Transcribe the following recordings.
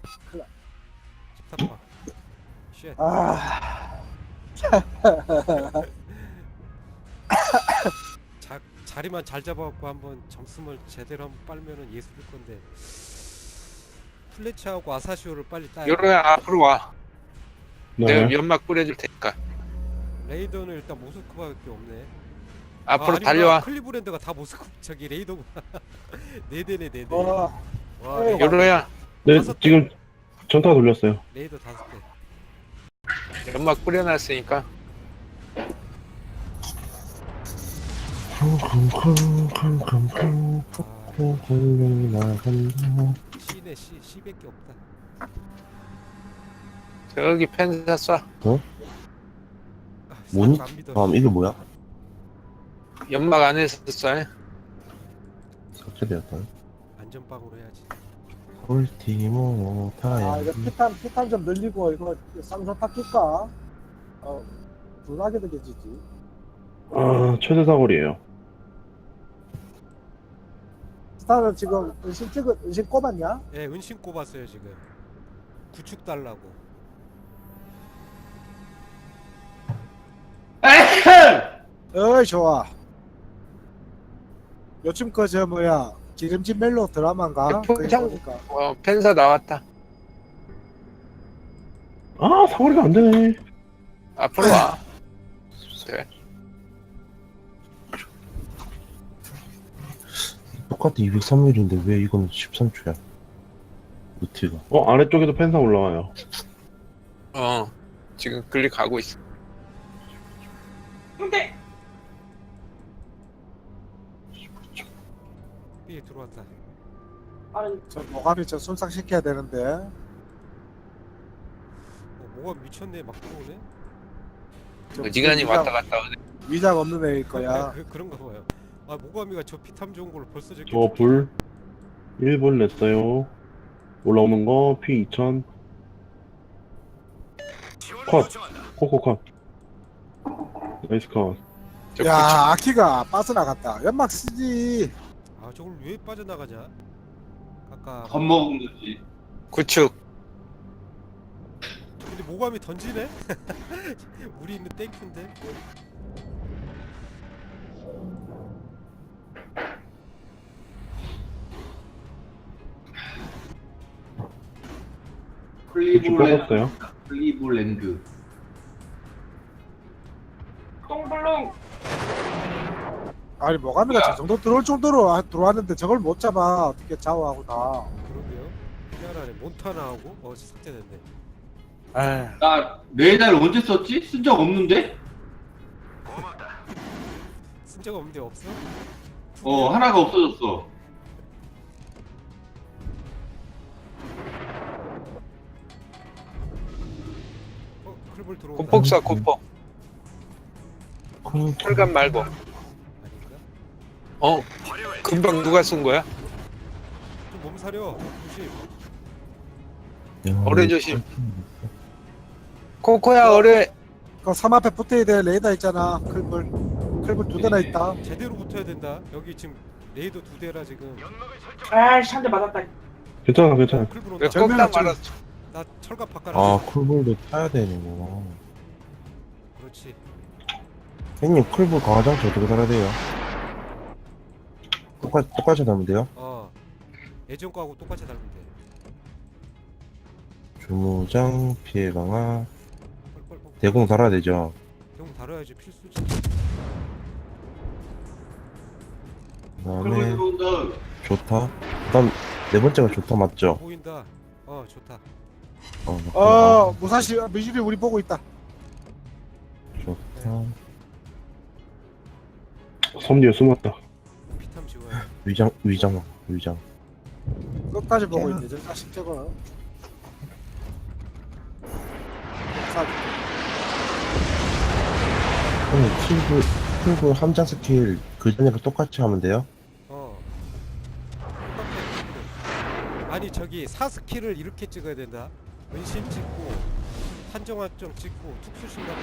큰일 집탑방. 쉣. 아, 자리만 잘 잡아갖고 한번 점수를 제대로 한번 빨면은 예술일 건데. 플래치하고 아사시오를 빨리 따야 돼. 요로야 앞으로 와. 내가 네. 연막 뿌려줄 테니까. 레이더는 일단 모스크바밖에 없네. 앞으로 아니구나. 달려와. 클리브랜드가 다 모스크 저기 레이더구나. 네 대네 네 대. 어, 와 어, 레이더, 요로야 네, 다섯 대. 지금 전타 돌렸어요. 레이더 5대. 연막 뿌려놨으니까. C네 C C밖에 없다. 저기 펜사 쏴. 아, 뭐니? 안 믿어. 이게 뭐야? 연막 안에서 쏴. 삭제되었다. 안전빵으로 해야지. 홀티모 아, 타야. 이거 피탄 좀 늘리고 이거 쌍소타 낄까? 불나게 되겠지. 아, 최대 사거리에요. 스타는 지금 은신 꼽았냐? 예, 은신 꼽았어요 지금. 구축 달라고. 어이 좋아. 요즘 그 저 뭐야 기름진 멜로 드라마인가? 그거 포장- 보니까 펜사 나왔다. 아, 사거리가 안 되네. 앞으로 와. 네. 똑같아 203mm인데 왜 이거는 13초야? 루트가. 아래쪽에도 펜사 올라와요. 지금 클릭하고 있어. B에 들어왔다. 저 모가미 저 순삭시켜야 되는데 뭐가 미쳤네 막 들어오네. 저 어지간히 위장- 왔다 갔다 하네. 위장 없는 애일 거야. 그런가 봐요. 아 모가미가 저 피탐 좋은 걸로 벌써 저렇게. 저 불 1분 냈어요. 올라오는 거 P2000 컷. 코코 컷. 나이스 컷. 저 야 아키가 빠져나갔다. 연막 쓰지. 아 저걸 왜 빠져나가냐? 아까 겁먹은 거지. 구축. 근데 모가미 던지네? 우리 있는 땡큐인데? 구축 뽑았어요. 클리블랜드. 아니 모가미가 저 정도 들어올 정도로 들어왔는데 저걸 못 잡아. 어떻게 좌우하고 나. 그러게요. 희한하네. 몬타나하고 삭제됐네. 아, 나 레이더를 언제 썼지? 쓴 적 없는데? 쓴 적 없는데 없어? 하나가 없어졌어. 클볼 들어온다. 고폭 쏴 고폭. 철갑 말고. 아닌가? 금방 누가 쏜 거야? 좀 몸사려. 조심. 어뢰 조심. 코코야 어뢰. 그 섬 앞에 붙어야 돼. 레이더 있잖아. 클불 두 대나 있다. 제대로 붙어야 된다. 여기 지금 레이더 2대라 지금. 아이씨 한 대 맞았다. 괜찮아, 괜찮아. 클볼 왜 온다. 정면은 꺾다 말았어. 나 철갑 바꿔. 아 쿨볼도 타야 되는구나. 그렇지. 형님 쿨볼 강화장치 어떻게 달아야 돼요? 똑같이 달면 돼요? 예전 거하고 똑같이 달면 돼. 주무장 피해 강화 뻘뻘뻘. 대공 달아야 되죠. 형 다뤄야지 필수지. 그다음에 클리블 들어온다. 좋다. 그다음 네 번째가 좋다 맞죠? 보인다. 좋다. 맞구나. 무사시 미주리 우리 보고 있다. 좋다. 섬 뒤에 숨었다. 피탐 지워야. 위장. 끝까지 보고 있네. 저 자식 저거. 형님 쿨볼 함장 스킬 그 전에 똑같이 하면 돼요? 똑같아. 아니 저기 4스킬을 이렇게 찍어야 된다. 은신 찍고 한정화점 찍고 특수신경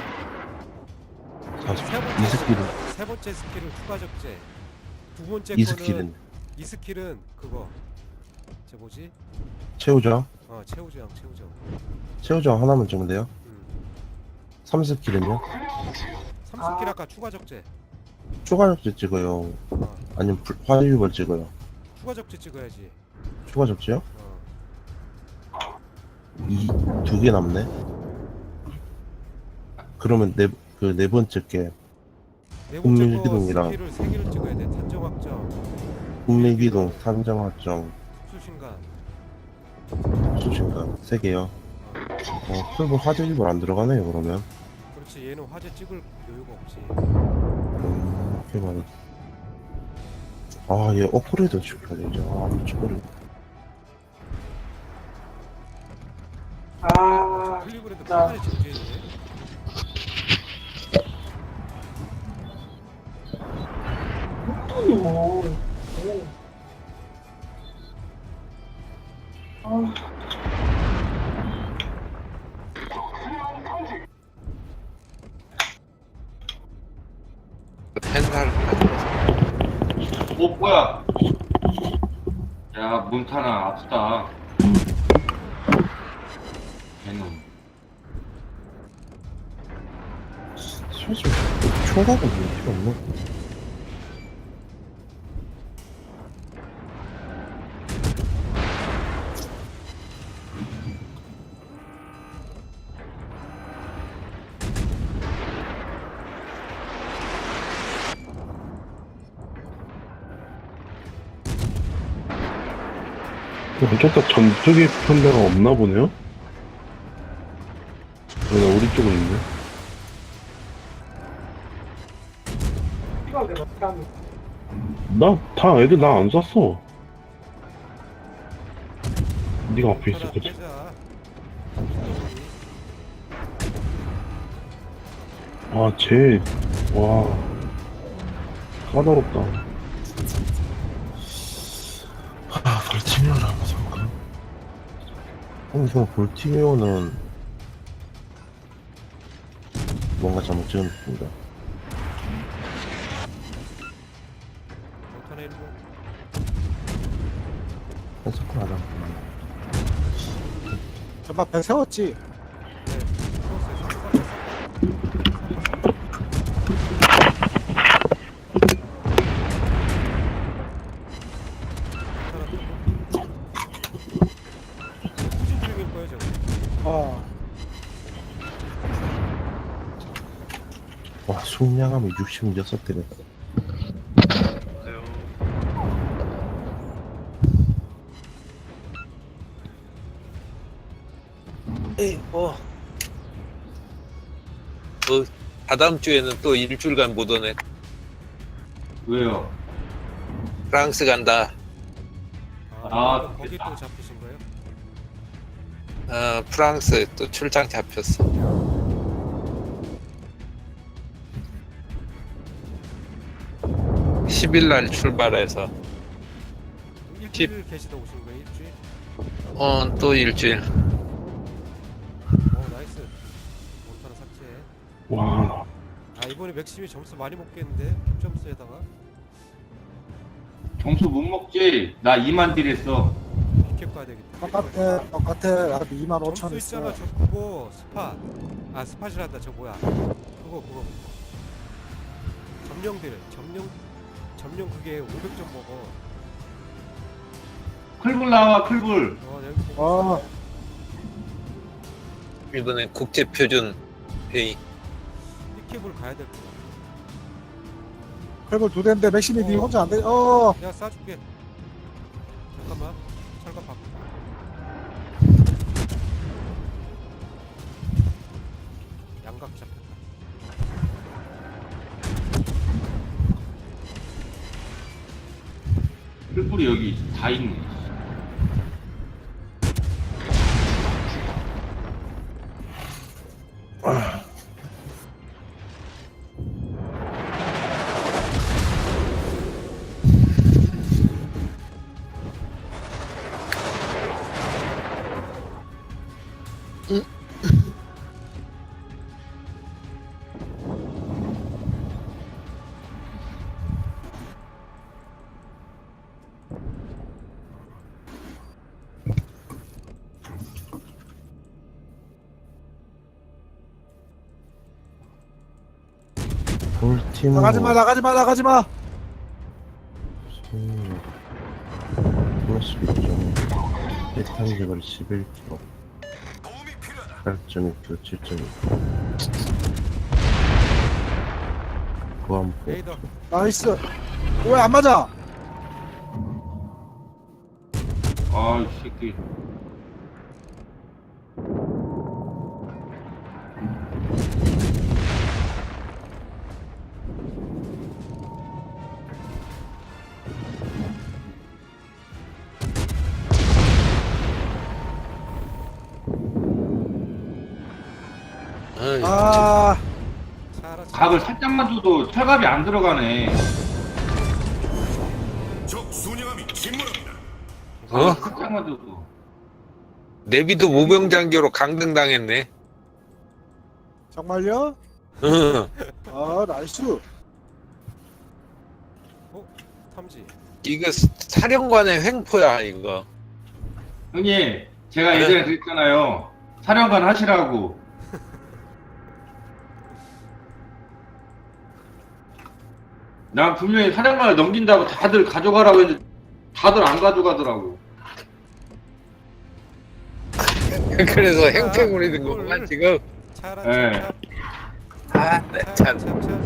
찍고 이 스킬은 세 번째 스킬은 추가 적재. 두 번째 이 거는 스킬은 이 스킬은 그거 저 뭐지? 채우죠? 최우정. 최우정 하나만 찍으면 돼요? 음. 3스킬은요? 3스킬 아까 추가 적재. 추가 접지 찍어요. 어, 아니면 화유벌 찍어요. 추가 적재 찍어야지. 추가 접지요? 어. 이 두 개 남네. 그러면 네 번째 게 네 번째 거 국민기동이랑 스킬을 3개를 찍어야 돼. 탄정확정, 국내기동, 산정확정, 수신간. 수신간 3개요. 풀보 화재기벌 안 들어가네요 그러면. 그렇지. 얘는 화재 찍을 여유가 없지. 이렇게 말해. 얘 업그레이드 시켜야 되죠. 미쳐버리네. 아, 클리브랜드 나- 판단이 정지해지네. 오. 아, 펜사를 뭐야? 야, 몬타나 아프다. 개놈. 솔직히 총각은 왜 필요 없나? 어쩌다 전쪽에 편대가 없나 보네요? 우리 쪽은 있네. 이거 내가 깜. 애들 나 안 쐈어. 네가 앞에 하나 있었거든. 빼자. 와, 까다롭다. 볼티메어를 한번 써볼까? 저 볼티메어는 뭔가 잘못 찍은 느낌이다. 못하나 일본. 펜서클 안 하고. 정말 배 세웠지. 네. 후진 중일 거예요, 저거. 와, 숙량하면 66대네. 에이 다다음 주에는 또 일주일간 못 오네. 왜요? 프랑스 간다. 아, 거기 또 잡히신 거예요? 프랑스 또 출장 잡혔어. 10일 날 출발해서 일주일 계시다 오신 거예요? 일주일? 또 일주일. 나이스. 몬타나 삭제. 와, 이번에 맥심이 점수 많이 먹겠는데? 점수에다가 점수 못 먹지? 나 2만 딜 했어. 비캡 가야 되겠다. 똑같아. 나도 25,000 점수 있잖아. 했어. 저 그거 스팟. 스팟이란다. 저 뭐야? 그거. 점령들. 점령 그게 500점 먹어. 클불 나와, 클불. 여기 보고 어, 이번엔 국제표준 회의. 비캡을 가야 될 거야. 그리고 2대인데 맥심이 니 혼자 안 돼. 내가 쏴줄게. 잠깐만. 철갑 바꿔. 양각 잡혔다. 클불이 여기 다 있네. 볼팀 나가지마. 플러스 6점 대탄지벌 11kg 8.2kg 7.2kg 보안포 레이더. 나이스. 왜 안 맞아? 아이 새끼. 아이, 아, 차라. 각을 살짝만 줘도 철갑이 안 들어가네. 어? 살짝만 줘도. 내비도 모병장교로 강등당했네. 정말요? 응. 아, 나이스. 탐지. 이거 사령관의 횡포야 이거. 형님, 제가 예전에 그랬잖아요. 사령관 하시라고. 난 분명히 사령관을 넘긴다고 다들 가져가라고 했는데 다들 안 가져가더라고. 그래서 행패 부리는 거구만 지금. 차라. 네. 아, 네, 참.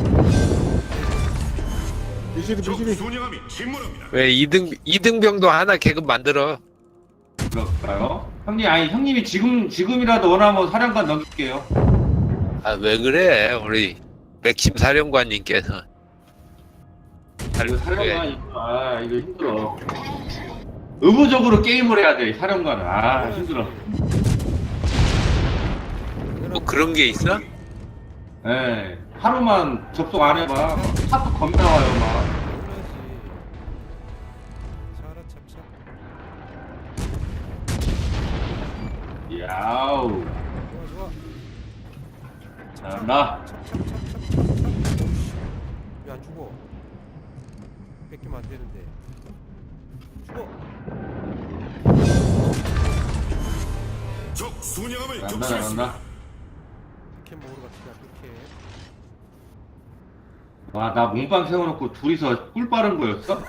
미시리. 왜 이등병도 하나 계급 만들어. 그럴까요? 형님, 아니 형님이 지금이라도 원하면 사령관 넘길게요. 아, 왜 그래 우리 맥심 사령관님께서. 이거 사령관 이거 힘들어. 의무적으로 게임을 해야 돼 사령관은. 아 힘들어. 뭐 그런 게 있어? 예, 하루만 접속 안 해봐. 하도 겁나 와요 막. 차라 찹찹. 야우. 좋아. 잘한다. 왜 안 죽어? 뺏기면 안 되는데. 죽어. 잘한다. 피켓 먹으러 갑시다. 피켓. 와, 나 몸빵 세워놓고 둘이서 꿀 빠른 거였어?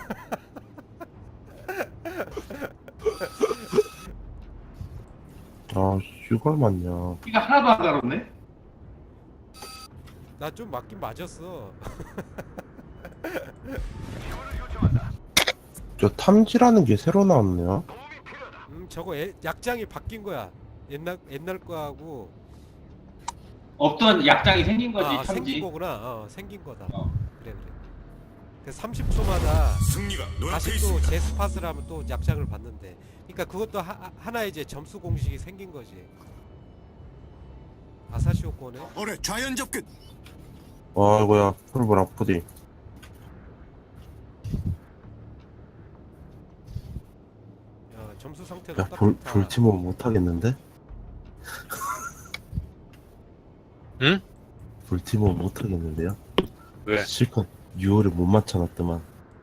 아 이걸 맞냐 피가 하나도 안 가렸네? 나 좀 맞긴 맞았어. 저 탐지라는 게 새로 나왔네요 저거 약장이 바뀐 거야. 옛날 거하고. 없던 약장이 생긴 거지, 생긴 참지. 거구나. 생긴 거다. 어. 그래. 그 30초마다 다시 또 재스팟을 하면 또 약장을 받는데. 그러니까 그것도 하나의 이제 점수 공식이 생긴 거지. 아사시오 거네. 올해 좌연 접근. 아이고야 풀볼 아프디 점수 상태도 야 딱 좋다. 볼팀은 못하겠는데? 응? 볼팀은 못하겠는데요? 왜? 실컷 6월에 못 맞춰놨더만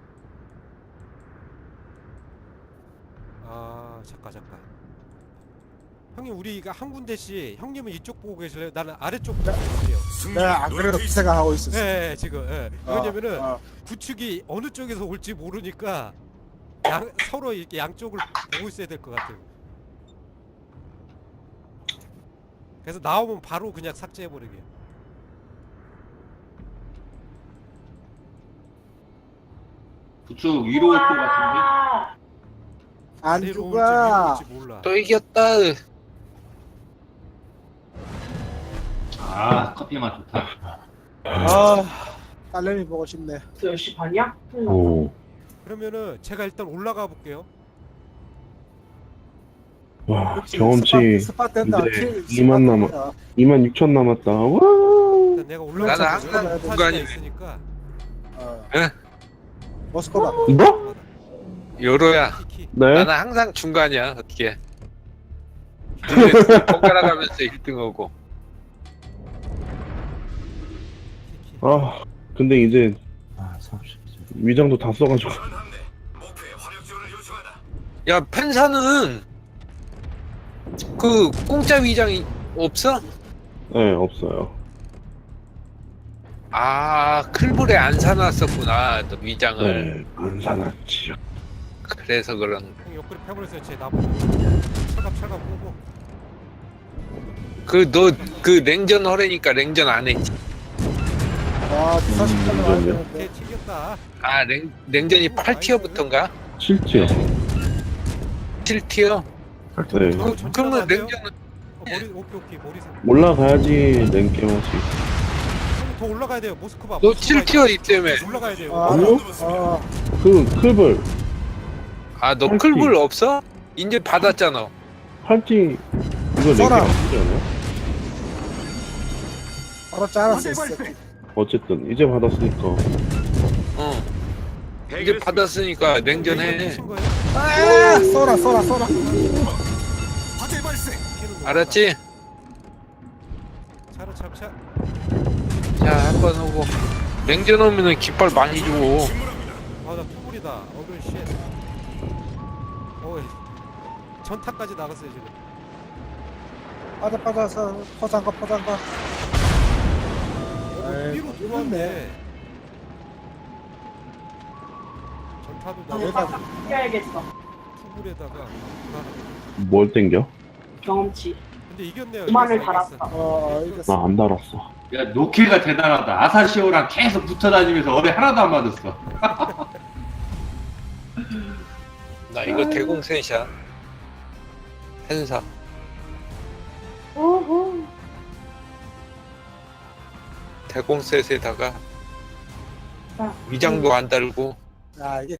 잠깐. 형님 우리가 한 군데씩 형님은 이쪽 보고 계실래요? 나는 아래쪽 보고 계실래요? 내가 안 그래도 그 생각하고 있었어. 네, 지금. 왜냐면은 어. 구축이 어느 쪽에서 올지 모르니까 서로 이렇게 양쪽을 보고 있어야 될 것 같아요. 그래서 나오면 바로 그냥 삭제해버리게. 그쪽 위로 올 것 같은데? 안 아래로 죽어. 올지 몰라. 또 이겼다. 아, 커피 맛 좋다. 아, 딸내미 보고 싶네. 10시 반이야? 오 그러면은 제가 일단 올라가 볼게요. 와 그렇지, 경험치 스팟 된다. 이제 킬 2만 스팟 남아. 된다. 26,000 남았다. 와. 일단 내가 올라가 나는 항상 중간이네. 있으니까. 어. 예? 모스코바. 뭐? 요로야. 키키. 네? 나는 항상 중간이야 어떻게. 둘이 번갈아 가면서 1등하고. 키키. 아 근데 이제 30 위장도 다 써가지고. 야 펜사는 그 공짜 위장이 없어? 네 없어요. 아, 클불에 안 사놨었구나, 너 위장을. 네, 안 사놨지요. 그래서 그런. 형 옆구리 패버렸어요. 제 나보고 철갑 보고. 너 그 냉전 허래니까 냉전 안 했지. 와, 40달러 와야 걔 되는데. 튀겼다. 아, 냉전이 8티어부터인가? 실지요. 7티어? 네. 그러면 냉전은 머리 오케이 머리 생. 올라가야지 냉게임 할 수 있어. 형님 더 올라가야 돼요. 모스크바. 너 모스크바 7티어 있다며. 올라가야 돼요. 아, 아니요? 아, 그 클벌 아, 너 클불 없어? 이제 받았잖아. 팔찌 이거 냉게임 써라. 아니지 않아요? 바로 잘랐어. 이 새끼. 어쨌든 이제 받았으니까 어. 이제 받았으니까 냉전해. 친 거예요? 아, 쏘라. 피는 거 알았지? 차로 차. 자, 한번 하고. 냉전 오면은 깃발 많이 주고. 아나 투불이다. 어글 쉣. 어이. 전타까지 나갔어요 지금. 빠져서 포장가. 에이, 위로 들어왔네. 전타도 여기다. 나가고 이겨야겠어. 투불에다가. 뭘 땡겨? 경험치. 근데 이겼네요. 그만을 이겼어. 달았어. 이겼어. 나 안 달았어. 야 노케가 대단하다. 아사시오랑 계속 붙어다니면서 어뢰 하나도 안 맞았어. 나 이거 대공셋이야. hen사. 오호. 대공셋에다가 자, 위장도 안 달고. 야, 이게